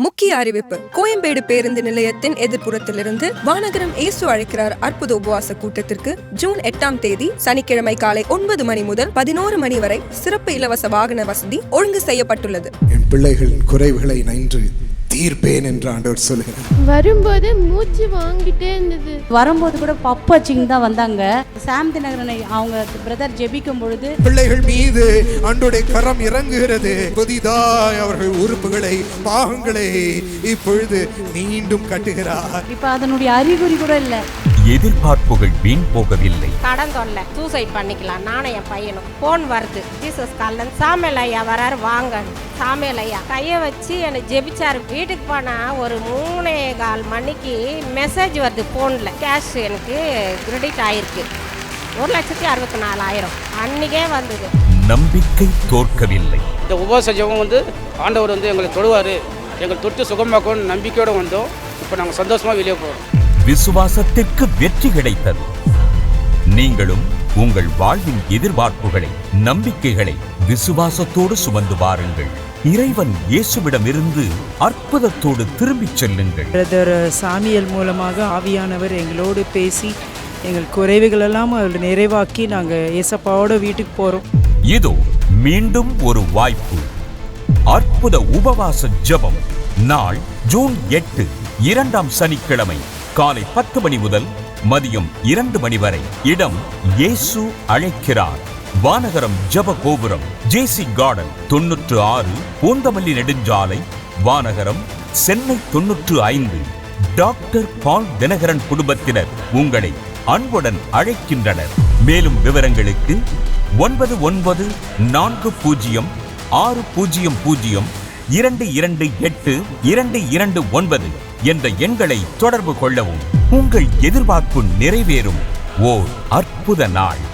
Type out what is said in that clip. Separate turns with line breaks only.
முக்கிய அறிவிப்பு. கோயம்பேடு பேருந்து நிலையத்தின் எதிர்ப்புறத்திலிருந்து வானகரம் இயேசு அழைக்கிறார் அற்புத உபவாச கூட்டத்திற்கு ஜூன் 8ஆம் தேதி சனிக்கிழமை காலை 9 மணி முதல் 11 மணி வரை சிறப்பு இலவச வாகன வசதி ஒழுங்கு செய்யப்பட்டுள்ளது.
என் பிள்ளைகளின் குறைவுகளை நன்று தீர்ப்பேன் என்று ஆண்டவர் சொல்லுகிறார்.
வரும்போது மூச்சு வாங்கிட்டே இருந்தது.
வரும்போது கூட பப்பாச்சிங் தான் வந்தாங்க. சாம் தினகரனை அவங்க பிரதர் ஜெபிக்கும் பொழுது
பிள்ளைகள் மீது ஆண்டவருடைய கரம் இறங்குகிறது. புதிதாய் அவர்கள் உறுப்புகளை பாகங்களை இப்பொழுது மீண்டும் கட்டுகிறார்.
இப்ப அதனுடைய அறிகுறி கூட இல்ல.
எதிர்பார்ப்புகள் வீண் போகவில்லை.
கடன் தொல்லை, சூசைட் பண்ணிக்கலாம். நானும் என் பையனும் போன் வருது. ஜீசஸ் கால்ல சாமியல் ஐயா வராரு, வாங்க. சாமியல் ஐயா கையை வச்சு என்னை ஜெபிச்சாரு. வீட்டுக்கு போனா ஒரு 3:15 மணிக்கு மெசேஜ் வருது போன்ல. கேஷ் எனக்கு கிரெடிட் ஆயிருக்கு 1,64,000 அன்னைக்கே வந்தது.
நம்பிக்கை தோற்கவில்லை.
இந்த உபவாச ஜெபம் ஆண்டவர் எங்களை தொடுவார், எங்களை தொட்டு சுகமாக்கணும்னு நம்பிக்கையோடு வந்தோம். இப்போ நாங்கள் சந்தோஷமாக வெளியே போகிறோம்.
விசுவாசத்திற்கு வெற்றி கிடைத்தது. நீங்களும் உங்கள் வாழ்வின் எதிர்பார்ப்புகளை, நம்பிக்கைகளை விசுவாசத்தோடு சுமந்து வாருங்கள். இறைவன் இயேசுவிடமிருந்து அற்புதத்தோடு திரும்பிச் செல்லுங்கள்.
பிரதர் சாமியல் மூலமாக ஆவியானவர் எங்களோடு பேசி எங்கள் குறைவுகளெல்லாம் அவர் நிறைவாக்கி நாங்கள் ஏசப்பாவோட வீட்டுக்கு போகிறோம்.
இதோ மீண்டும் ஒரு வாய்ப்பு. அற்புத உபவாச ஜெபம். நாள் ஜூன் 8 2ஆம் சனிக்கிழமை காலை 10 மணி முதல் மதியம் 2 மணி வரை. இடம் இயேசு அழைக்கிறார். வானகரம் ஜெப கோபுரம், ஜேசி கார்டன் 96 பூந்தமல்லி நெடுஞ்சாலை, வானகரம், சென்னை 95. டாக்டர் பால் தினகரன் குடும்பத்தினர் உங்களை அன்புடன் அழைக்கின்றனர். மேலும் விவரங்களுக்கு 9940060022282229 என்ற எண்களை தொடர்பு கொள்ளவும். உங்கள் எதிர்பார்ப்பு நிறைவேறும் ஓர் அற்புத நாள்.